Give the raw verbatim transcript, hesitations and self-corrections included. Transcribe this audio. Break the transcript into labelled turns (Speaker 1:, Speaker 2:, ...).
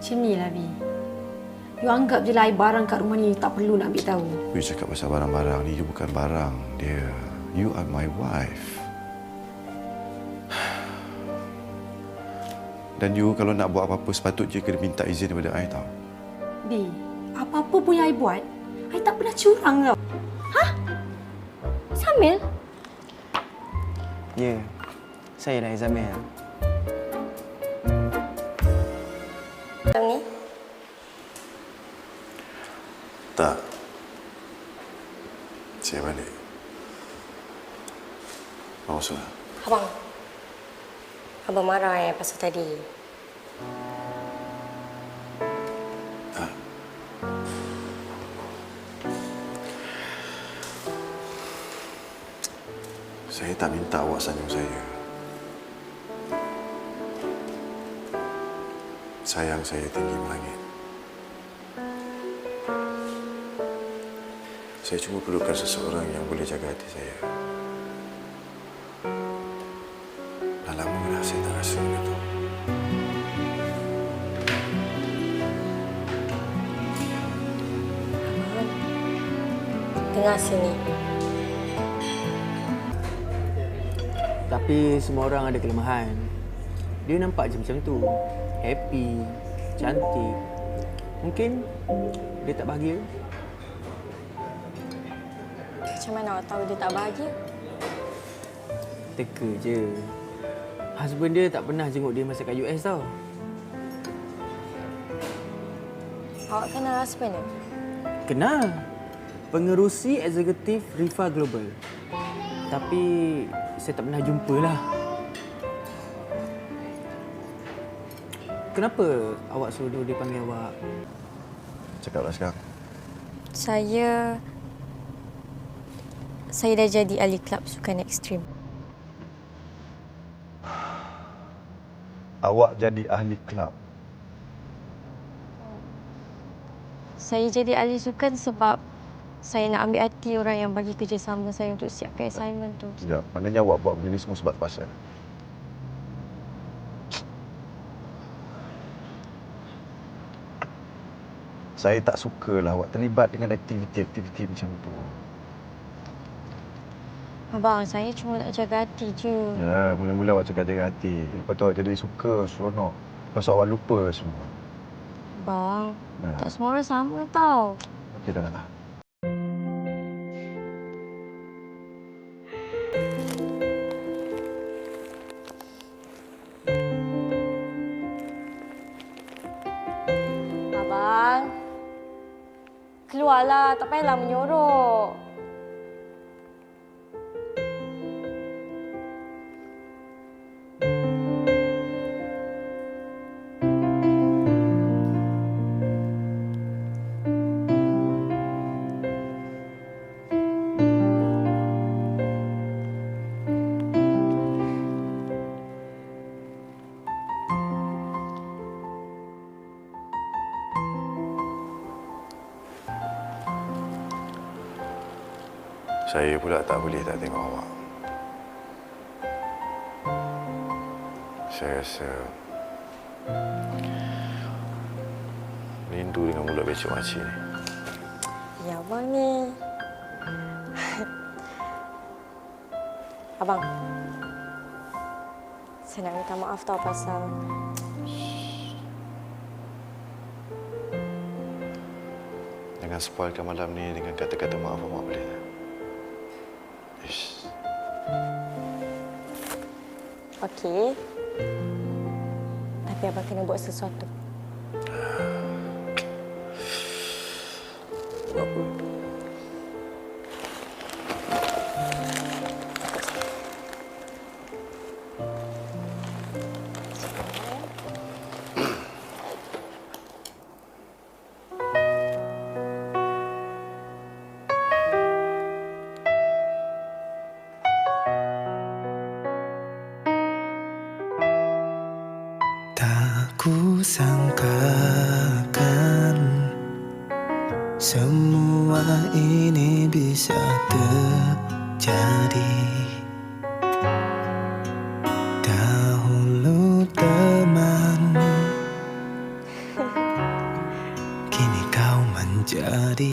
Speaker 1: Macam ni lah, Bi. You anggap je lah barang kat rumah ni tak perlu nak ambil tahu.
Speaker 2: You cakap pasal barang-barang ni, you bukan barang, dia. You are my wife. Dan you kalau nak buat apa-apa sepatutnya kena minta izin daripada I tau.
Speaker 1: Bi, apa-apa pun yang I buat, I tak pernah curang tau.
Speaker 3: Hah? Samil?
Speaker 4: Ya, saya dah Zamil.
Speaker 3: Macam ni?
Speaker 2: Tak. Saya balik. Mau sudah.
Speaker 3: Abang. Abang marah eh pasal tadi.
Speaker 2: Tak. Saya tak minta awak sanjung saya. Sayang saya tinggi melangit. Saya cuma perlukan seseorang yang boleh jaga hati saya. Dah lama dah saya tak rasa benda tu.
Speaker 3: Abang, dengar sini.
Speaker 4: Tapi semua orang ada kelemahan. Dia nampak je macam tu. Happy, cantik. Mungkin dia tak bahagia.
Speaker 3: Macam mana awak tahu dia tak bahagia?
Speaker 4: Teka je. Husband dia tak pernah jenguk dia masa kat U S tau.
Speaker 3: Awak kenal husband dia?
Speaker 4: Kenal. Pengerusi eksekutif Rifa Global. Tapi saya tak pernah jumpa lah. Kenapa awak suruh dia panggil awak?
Speaker 2: Cakaplah sekarang.
Speaker 3: Saya... Saya dah jadi ahli kelab sukan ekstrim.
Speaker 2: Awak jadi ahli kelab.
Speaker 3: Saya jadi ahli sukan sebab saya nak ambil hati orang yang bagi kerjasama saya untuk siapkan assignment tu.
Speaker 2: Sekejap, maknanya awak buat benda ni semua sebab pasal. Saya tak sukalah awak terlibat dengan aktiviti-aktiviti macam tu.
Speaker 3: Abang, saya cuma nak jaga hati je.
Speaker 2: Ya, mula-mula awak cakap jaga hati. Lepas tu awak jadi suka, seronok. Lepas tu awak lupa semua.
Speaker 3: Bang,
Speaker 2: Nah.
Speaker 3: tak semua orang sama tau.
Speaker 2: Okey, dah lah.
Speaker 3: Abang, keluarlah. Tak payahlah menyorok.
Speaker 2: Saya pula tak boleh tak tengok awak. Saya rasa rindu dengan mulut becek makcik ni.
Speaker 3: Ya, abang ni. Abang, saya nak minta maaf tau pasal...
Speaker 2: Jangan spoilkan malam ni dengan kata-kata maaf awak boleh tak? Ish.
Speaker 3: Okey. Tapi abang kena buat sesuatu.
Speaker 2: Buat apa?
Speaker 5: Tak kusangkakan semua ini bisa terjadi. Dahulu temanmu jadi